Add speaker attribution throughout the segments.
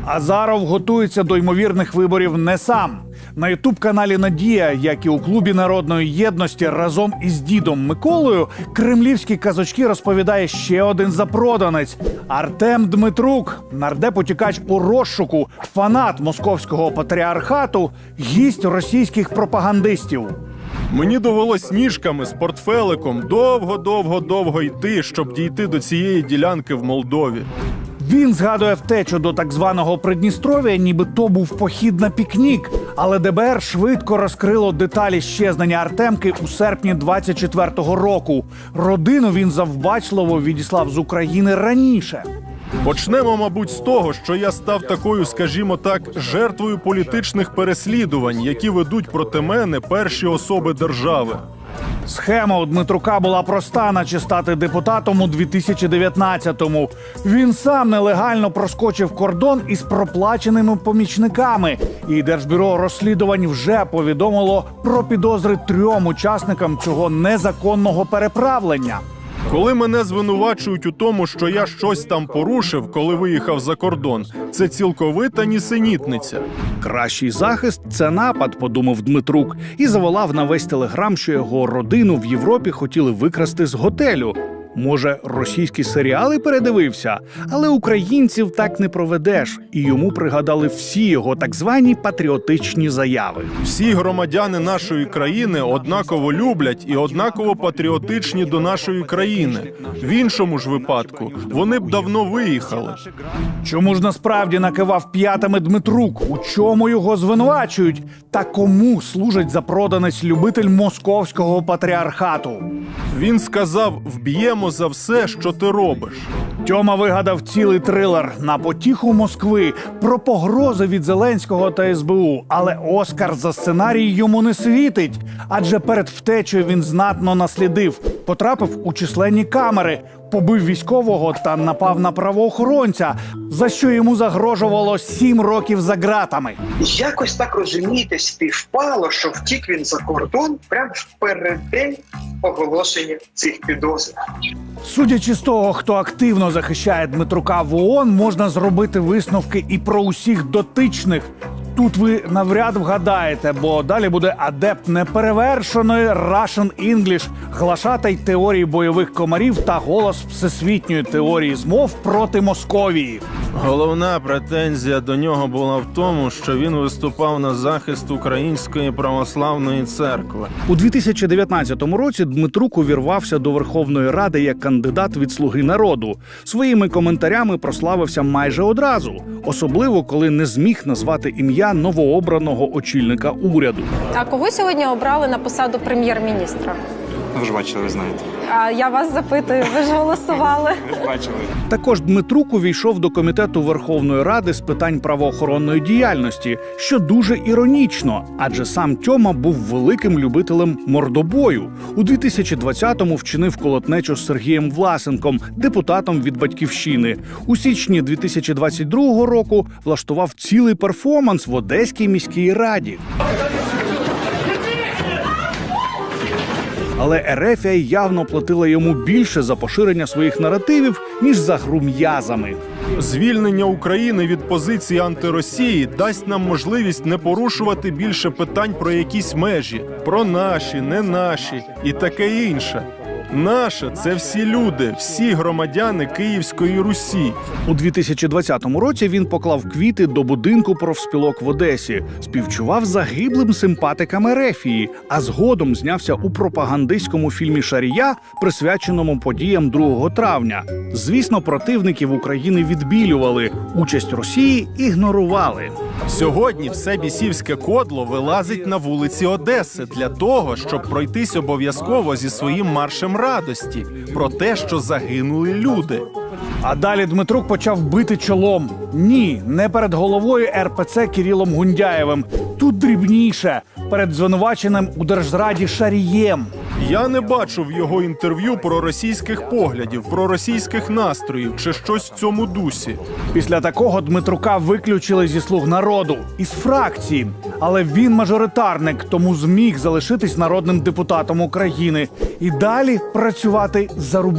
Speaker 1: Азаров готується до ймовірних виборів не сам. На ютуб-каналі «Надія», як і у Клубі народної єдності разом із дідом Миколою, кремлівські казочки розповідає ще один запроданець – Артем Дмитрук, нардеп-утікач у розшуку, фанат московського патріархату, гість російських пропагандистів.
Speaker 2: Мені довелось ніжками з портфеликом довго йти, щоб дійти до цієї ділянки в Молдові.
Speaker 1: Він згадує втечу до так званого Придністров'я, ніби то був похід на пікнік. Але ДБР швидко розкрило деталі щезнення Артемки у серпні 24-го року. Родину він завбачливо відіслав з України раніше.
Speaker 2: Почнемо, мабуть, з того, що я став такою, скажімо так, жертвою політичних переслідувань, які ведуть проти мене перші особи держави.
Speaker 1: Схема у Дмитрука була проста, наче стати депутатом у 2019-му. Він сам нелегально проскочив кордон із проплаченими помічниками. І Держбюро розслідувань вже повідомило про підозри 3 учасникам цього незаконного переправлення.
Speaker 2: Коли мене звинувачують у тому, що я щось там порушив, коли виїхав за кордон, це цілковита нісенітниця.
Speaker 1: Кращий захист – це напад, подумав Дмитрук. І заволав на весь телеграм, що його родину в Європі хотіли викрасти з готелю. Може, російські серіали передивився? Але українців так не проведеш. І йому пригадали всі його так звані патріотичні заяви.
Speaker 2: Всі громадяни нашої країни однаково люблять і однаково патріотичні до нашої країни. В іншому ж випадку вони б давно виїхали.
Speaker 1: Чому ж насправді накивав п'ятами Дмитрук? У чому його звинувачують? Та кому служить запроданець-любитель московського патріархату?
Speaker 2: Він сказав: «Вб'ємо за все, що ти робиш».
Speaker 1: Тьома вигадав цілий трилер на потіху Москви про погрози від Зеленського та СБУ. Але Оскар за сценарій йому не світить. Адже перед втечею він знатно наслідив. Потрапив у численні камери, побив військового та напав на правоохоронця, за що йому загрожувало 7 років за ґратами.
Speaker 3: Якось так, розумієте, співпало, що втік він за кордон прямо в переддень оголошення цих підозр.
Speaker 1: Судячи з того, хто активно захищає Дмитрука в ООН, можна зробити висновки і про усіх дотичних. Тут ви навряд вгадаєте, бо далі буде адепт неперевершеної Russian English, глашатай теорії бойових комарів та голос всесвітньої теорії змов проти Московії.
Speaker 2: Головна претензія до нього була в тому, що він виступав на захист Української православної церкви.
Speaker 1: У 2019 році Дмитрук увірвався до Верховної Ради як кандидат від «Слуги народу». Своїми коментарями прославився майже одразу, особливо коли не зміг назвати ім'я новообраного очільника уряду.
Speaker 4: А кого сьогодні обрали на посаду прем'єр-міністра?
Speaker 5: Ви ж бачили, ви знаєте.
Speaker 4: А я вас запитую, ви ж голосували.
Speaker 5: Ви ж бачили.
Speaker 1: Також Дмитрук увійшов до Комітету Верховної Ради з питань правоохоронної діяльності, що дуже іронічно, адже сам Тьома був великим любителем мордобою. У 2020-му вчинив колотнечу з Сергієм Власенком, депутатом від «Батьківщини». У січні 2022 року влаштував цілий перформанс в Одеській міській раді. Але Ерефія явно платила йому більше за поширення своїх наративів, ніж за гру м'язами.
Speaker 2: Звільнення України від позиції антиросії дасть нам можливість не порушувати більше питань про якісь межі, про наші, не наші і таке інше. Наше – це всі люди, всі громадяни Київської Русі.
Speaker 1: У 2020 році він поклав квіти до будинку профспілок в Одесі, співчував загиблим симпатикам Ерефії, а згодом знявся у пропагандистському фільмі «Шарія», присвяченому подіям 2 травня. Звісно, противників України відбілювали, участь Росії ігнорували.
Speaker 2: Сьогодні все бісівське кодло вилазить на вулиці Одеси для того, щоб пройтись обов'язково зі своїм маршем радості про те, що загинули люди.
Speaker 1: А далі Дмитрук почав бити чолом. Ні, не перед головою РПЦ Кирилом Гундяєвим. Тут дрібніше – перед звинуваченим у Держзраді Шарієм.
Speaker 2: Я не бачу в його інтерв'ю проросійських поглядів, проросійських настроїв чи щось в цьому дусі.
Speaker 1: Після такого Дмитрука виключили зі «Слуг народу» із фракції. Але він мажоритарник, тому зміг залишитись народним депутатом України і далі працювати за рублі.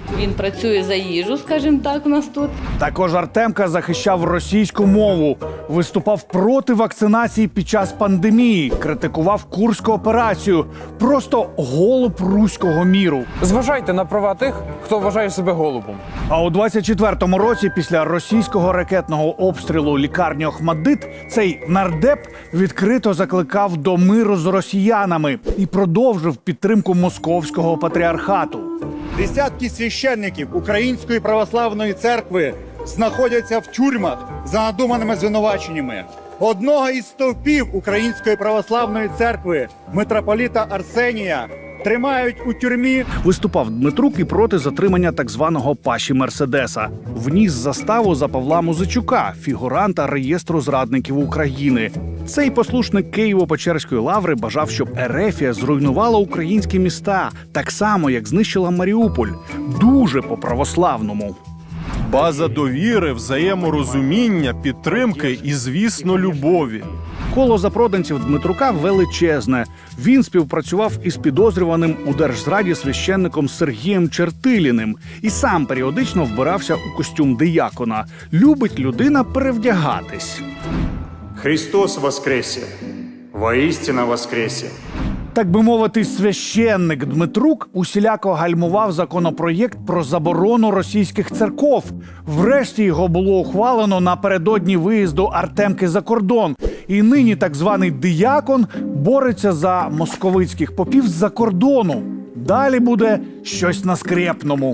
Speaker 5: Він працює за їжу, скажімо так, у нас тут.
Speaker 1: Також Артемка захищав російську мову, виступав проти вакцинації під час пандемії, критикував Курську операцію. Просто голуб руського міру.
Speaker 6: Зважайте на права тих, хто вважає себе голубом.
Speaker 1: А у 24-му році, після російського ракетного обстрілу лікарні Охмаддит, цей нардеп відкрито закликав до миру з росіянами і продовжив підтримку московського патріархату.
Speaker 7: Десятки священників Української православної церкви знаходяться в тюрмах за надуманими звинуваченнями. Одного із стовпів Української православної церкви, митрополіта Арсенія, тримають у тюрмі.
Speaker 1: Виступав Дмитрук і проти затримання так званого Паші Мерседеса. Вніс заставу за Павла Музичука, фігуранта реєстру зрадників України. Цей послушник Києво-Печерської лаври бажав, щоб Ерефія зруйнувала українські міста, так само, як знищила Маріуполь. Дуже по-православному.
Speaker 2: База довіри, взаєморозуміння, підтримки і, звісно, любові.
Speaker 1: Коло запроданців Дмитрука величезне. Він співпрацював із підозрюваним у держзраді священником Сергієм Чертиліним і сам періодично вбирався у костюм диякона. Любить людина перевдягатись.
Speaker 8: Христос воскресе! Воістина воскресе!
Speaker 1: Так би мовити, священник Дмитрук усіляко гальмував законопроєкт про заборону російських церков. Врешті його було ухвалено напередодні виїзду Артемки за кордон. І нині так званий диякон бореться за московицьких попів з-за кордону. Далі буде щось на скрєпному.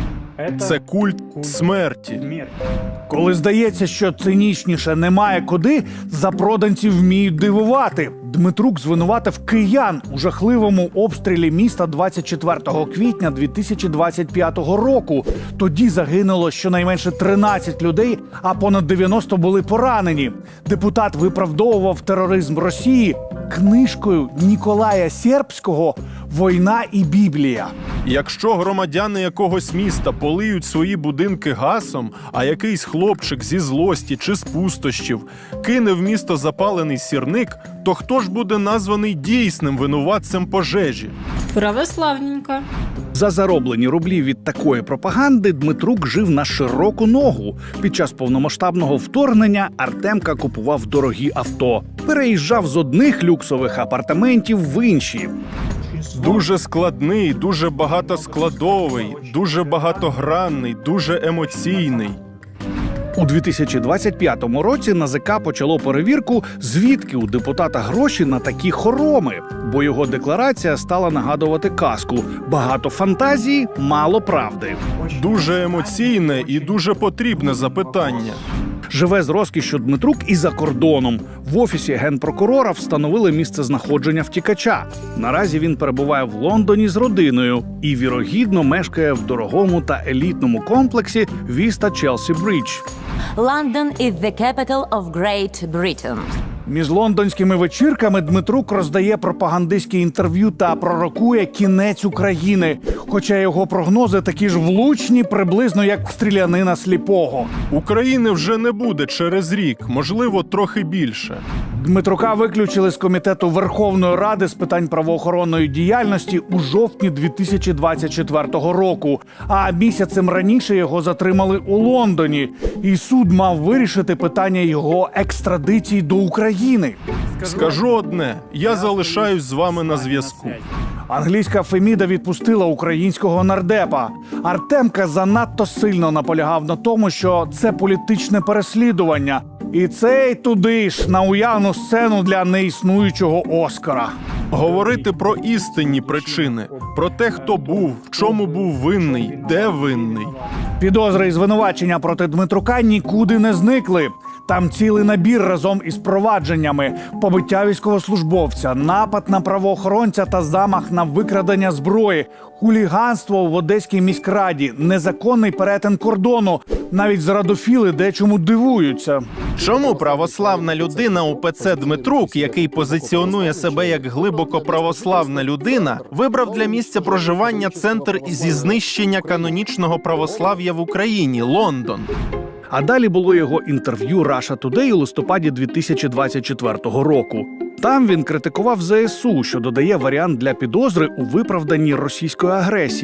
Speaker 2: Це культ смерті.
Speaker 1: Коли здається, що цинічніше немає куди, запроданці вміють дивувати. Дмитрук звинуватив киян у жахливому обстрілі міста 24 квітня 2025 року. Тоді загинуло щонайменше 13 людей, а понад 90 були поранені. Депутат виправдовував тероризм Росії книжкою Ніколая Сербського «Війна і Біблія».
Speaker 2: Якщо громадяни якогось міста полиють свої будинки гасом, а якийсь хлопчик зі злості чи з пустощів кине в місто запалений сірник, то хто ж буде названий дійсним винуватцем пожежі?
Speaker 5: Православненько.
Speaker 1: За зароблені рублі від такої пропаганди Дмитрук жив на широку ногу. Під час повномасштабного вторгнення Артемка купував дорогі авто. Переїжджав з одних люксових апартаментів в інші.
Speaker 2: Дуже складний, дуже багатоскладовий, дуже багатогранний, дуже емоційний.
Speaker 1: У 2025 році НАЗК почало перевірку, звідки у депутата гроші на такі хороми. Бо його декларація стала нагадувати казку. Багато фантазії, мало правди.
Speaker 2: Дуже емоційне і дуже потрібне запитання.
Speaker 1: Живе з розкішшю Дмитрук і за кордоном. В офісі генпрокурора встановили місце знаходження втікача. Наразі він перебуває в Лондоні з родиною і, вірогідно, мешкає в дорогому та елітному комплексі Vista Chelsea Bridge.
Speaker 9: London is the capital of Great Britain.
Speaker 1: Між лондонськими вечірками Дмитрук роздає пропагандистські інтерв'ю та пророкує кінець України. Хоча його прогнози такі ж влучні, приблизно як стрілянина сліпого.
Speaker 2: України вже не буде через рік, можливо, трохи більше.
Speaker 1: Дмитрука виключили з комітету Верховної Ради з питань правоохоронної діяльності у жовтні 2024 року. А місяцем раніше його затримали у Лондоні. І суд мав вирішити питання його екстрадиції до України.
Speaker 2: Скажу одне, я залишаюсь з вами на зв'язку.
Speaker 1: Англійська Феміда відпустила українського нардепа. Артемка занадто сильно наполягав на тому, що це політичне переслідування. І цей туди ж на уявну сцену для неіснуючого Оскара.
Speaker 2: Говорити про істинні причини, про те, хто був, в чому був винний, де винний.
Speaker 1: Підозри і звинувачення проти Дмитрука нікуди не зникли. Там цілий набір разом із провадженнями: побиття військовослужбовця, напад на правоохоронця та замах на викрадення зброї, хуліганство в Одеській міськраді, незаконний перетин кордону. Навіть зрадофіли дечому дивуються.
Speaker 10: Чому православна людина УПЦ Дмитрук, який позиціонує себе як глибоко православна людина, вибрав для місця проживання центр зі знищення канонічного православ'я в Україні – Лондон?
Speaker 1: А далі було його інтерв'ю Russia Today у листопаді 2024 року. Там він критикував ЗСУ, що додає варіант для підозри у виправданні російської агресії.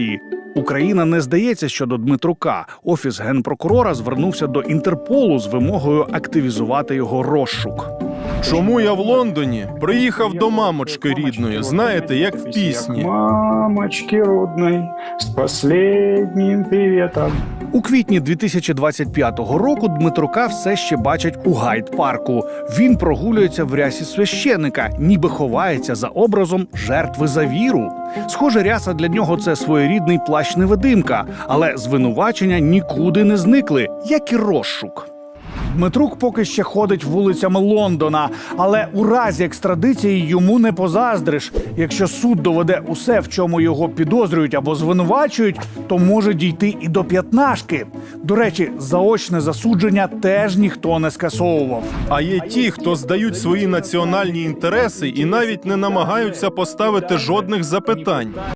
Speaker 1: Україна не здається щодо Дмитрука. Офіс генпрокурора звернувся до Інтерполу з вимогою активізувати його розшук.
Speaker 2: Чому я в Лондоні? Приїхав до мамочки рідної, знаєте, як в пісні.
Speaker 8: Мамочки родной, с последним приветом.
Speaker 1: У квітні 2025 року Дмитрука все ще бачать у Гайд-парку. Він прогулюється в рясі священика, ніби ховається за образом жертви за віру. Схоже, ряса для нього – це своєрідний плащ-невидимка, але звинувачення нікуди не зникли, як і розшук. Дмитрук поки ще ходить вулицями Лондона, але у разі екстрадиції йому не позаздриш. Якщо суд доведе усе, в чому його підозрюють або звинувачують, то може дійти і до п'ятнашки. До речі, заочне засудження теж ніхто не скасовував.
Speaker 2: А є ті, хто здають свої національні інтереси і навіть не намагаються поставити жодних запитань.